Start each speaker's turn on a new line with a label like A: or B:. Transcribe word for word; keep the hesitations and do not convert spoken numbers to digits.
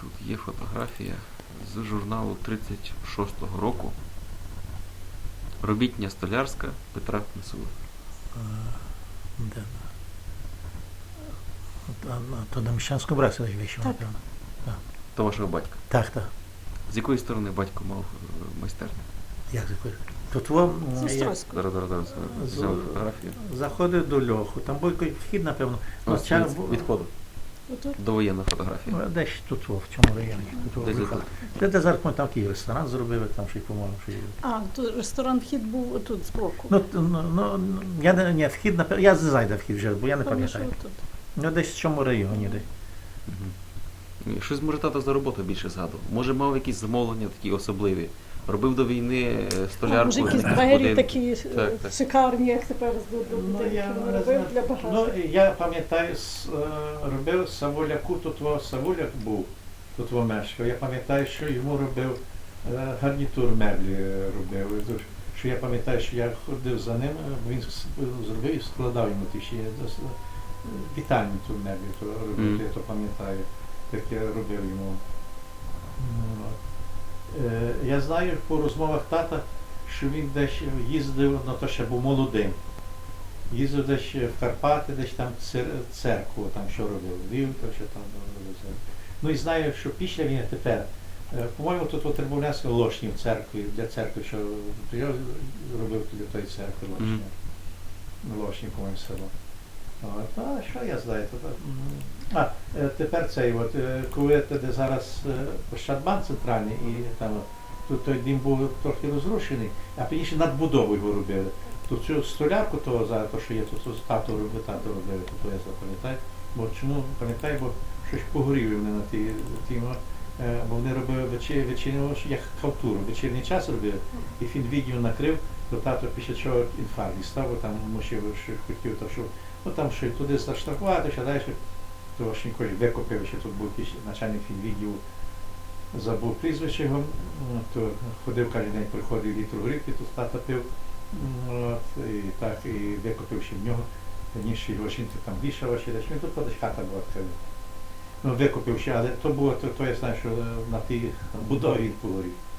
A: Тут є фотографія з журналу тридцять шостого року. Робітня столярська Петра Мисули.
B: Де? А, а, То на Міщанському браці вийшов,
C: Так.
B: напевно.
A: То вашого батька.
B: Так, так.
A: З якої сторони батько мав е, майстерню?
B: Як закурити? Тут вам
C: З Острозького.
A: Зараз, зараз, зараз е,
B: З-
A: взяв фотографію.
B: заходить до льоху. Там був якийсь вхід, напевно. Ну,
A: Ось
B: ча-
A: від, відходу.
C: Отут.
A: Довоєнна фотографія.
B: Ну, Десь тут, о, в цьому районі. Тут, о,
A: Десь
B: виходить.
A: отут.
B: Де, де зараз ми там такий ресторан зробили, там ще й, по-моєму, що є.
C: А, тут ресторан вхід був отут збоку.
B: Ну, т- ну, ну, я не, ні, вхід, напевно, я не знаю, де вхід вже, бо я не
C: Певно, що
B: пам'ятаю.
C: отут.
B: Ну, десь в цьому районі, десь.
A: Мгм. Щось може тато за роботу більше згадував. Може мав якісь замовлення такі особливі. Робив до війни е,
C: А,
A: столярку.
C: може, якісь
A: один.
C: двері такі е,
A: Так, так.
C: шикарні, як тепер здобути.
B: Ну, я
C: Він
B: не
C: робив
B: знаю.
C: для багатих.
B: Ну, я пам'ятаю, с- е, робив Савуляку, тут во Савуляк був, тут во мешкав. Я пам'ятаю, що йому робив е, гарнітур меблі е, робив. І тут, Що я пам'ятаю, що я ходив за ним, е, бо він с- зробив і складав йому ті ще е, вітальні ту меблі, то робив,
A: Мгм.
B: я то пам'ятаю, як я робив йому. Ну, от. Е, Я знаю по розмовах тата, що він десь їздив, ну то ще був молодим. Їздив десь в Карпати, десь там цер- церкву, там що робив, вів, то що там робив. Ну і знаю, що після війни тепер, е, по-моєму, тут у Тербовлянській Лошні в церкві, для церкви, що то я робив для тої церкви Лошні.
A: Мгм.
B: Лошні, по-моєму, село. От, а що я знаю? То, так, м. а, е, тепер цей, от, е, коли те, де зараз е, Ощадбанк центральний, і там от, тут той дім був трохи розрушений, а пізніше надбудову його робили. Тут цю столярку того зараз, то, що є, тут тут тато робив, тато робили, то я запам'ятаю. Бо чому пам'ятаю, бо щось погоріли вони на ті, ті е, бо вони робили вечір, вечірню, як халтуру, вечірній час робили, і він відео накрив, то тато після чого інфаркт дістав, бо там мусив, що хотів, то, що ну там що й туди заштрафувати, що далі, то ж ніколи викупив, що тут був якийсь начальник відділу, забув прізвище його, ну, то ходив кожен день, приходив літр горілки, тут тата пив, ну, от, і так, і викупив ще в нього, ніж його жінка там вішала, ще десь, він тут десь хата була така. Ну, викупив ще, але то було, то, то я знаю, що на тій будові він погорів.